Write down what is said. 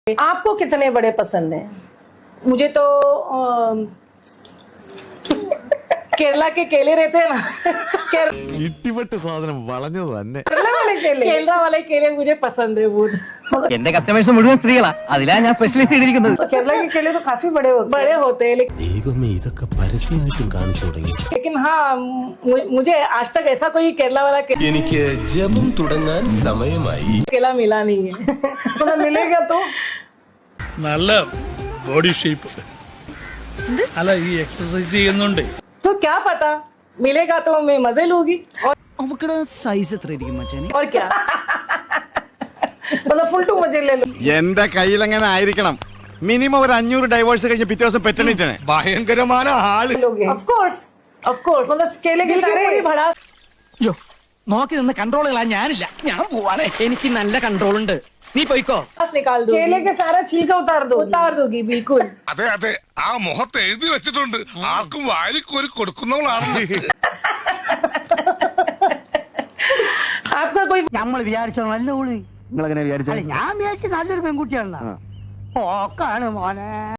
आपको कितने बड़े पसंद हैं? मुझे तो केरला के केले रहते हैं ना, ഇട്ടിപ്പെട്ട് സാധനം വളഞ്ഞത് തന്നെ. केरला वाले केले। केरला वाले केले मुझे पसंद है बहुत। എന്റെ കസ്റ്റമേഴ്സ് മുഴുവൻ സ്ത്രീകളാ, അതിലാ ഞാൻ സ്പെഷ്യലൈസ് ചെയ്തിരിക്കുന്നത്. तो केरला के केले तो काफी बड़े होते हैं। बड़े होते हैं ദൈവമേ ഇതൊക്കെ പരസ്യമായിട്ടും കാണിച്ചു തുടങ്ങി. लेकिन हाँ मुझे आज तक ऐसा कोई केरला वाला എനിക്ക് ജപം തുടങ്ങാൻ സമയമായി. केला मिला नहीं है। मतलब मिलेगा तो നല്ല ബോഡി ഷേപ്പ് അല്ല ഈ എക്സസൈസ് ചെയ്യുന്നുണ്ട്. तो क्या पता मिलेगा तो मैं मजे लूंगी അവക്കടെ സൈസ് എത്രയായിരിക്കും മച്ചാനെ? और क्या। मतलब फुल टू मजे ले लो। എന്റെ കയ്യിൽ അങ്ങനെ ആയിരിക്കണം. മിനിമം ഒരു 500 ഡൈവേഴ്സ് കഴിഞ്ഞ് പിറ്റേ ദിവസം പെറ്റണിട്ടാണ്. ഭയങ്കരമായ ആള്. लोगे ऑफ कोर्स मतलब केले के सारे भड़ा അയ്യോ, നോക്കി നിന്ന് കൺട്രോൾ കളാൻ ഞാനില്ല, ഞാൻ പോവാണ്. എനിക്ക് നല്ല കൺട്രോൾ ഉണ്ട്, നീ പോയിക്കോ. निकाल दो, केले के सारा छिलका उतार दो। उतार दोगी बिल्कुल। അതെ അതെ, ആ മുഖത്ത് എഴുതി വെച്ചിട്ടുണ്ട് ആർക്കും വാരിക്കോരി കൊടുക്കുന്നവളാണ്. आपका कोई നമ്മൾ വിചാരിച്ചോ നല്ല ഊളി, നിങ്ങൾ എങ്ങനെ വിചാരിച്ചു? ഞാൻ വിചാരിച്ചു നല്ലൊരു പെൺകുട്ടിയാണ്. ഓക്കാണ് മോനെ.